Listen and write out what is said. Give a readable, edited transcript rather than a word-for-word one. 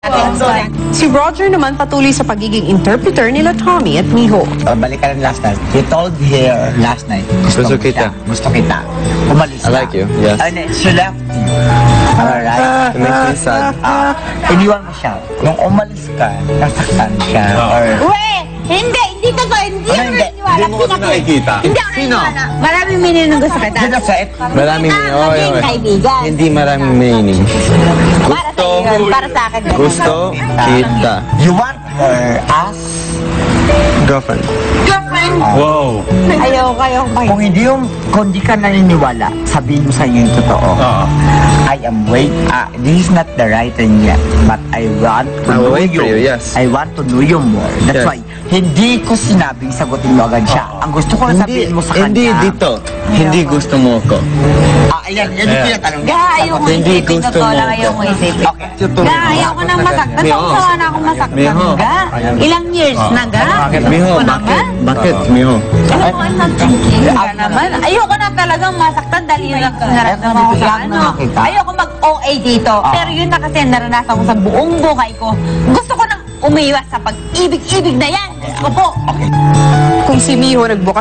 Si Roger naman patuloy sa pagiging interpreter nila Tommy at Miho. Balikan ng last night. You told her last night. Gusto kita. Gusto kita. Umalis I ka. like you, yes. And then she left you. Alright? It makes me sad. Iniwan mo siya. Nung umalis ka, nasaktan siya. Or... Hindi totoo. Hindi ako Hindi. naniniwala. Hindi mo kasi nakikita. Hindi ako naniniwala. Maraming meaning ng gusto kita. Dito sa Maraming Maging kaibigan. Hindi maraming meaning. Para sa iyo, para sa akin. Gusto kita. You want her as... Girlfriend. Girlfriend. Wow. Ayaw Kung hindi ka naniniwala, sabihin mo sa iyo yung totoo. I am this is not the right thing yet, but I want to I will know wait for you. you, yes. I want to know you more. That's Yes. why, hindi ko sinabing sagutin mo agad siya. Ang gusto ko lang sabihin mo sa kanya. Hindi dito. Hindi gusto mo ko. Ayan, yan yung tinatanong niya. Ga, ayaw ko Hindi isipin gusto totoo mo lang, ko. ayaw ko isipin. Okay. Ga, ayaw ko nang masaktan. Miho. Sawa na akong masaktan. Miho. Ga, ilang years na ga? Miho, Gusto ko naman. bakit? Miho. Ayaw ko not thinking. Ga naman. Ayaw ko na talagang masaktan dahil yun ang nararamdaman ko sa ano. Ayaw ko mag-OA dito. Pero yun na kasi naranasan ko sa buong buhay ko. Gusto ko nang umiwas sa pag-ibig-ibig na yan. Gusto ko po. Kung si Miho nagbukas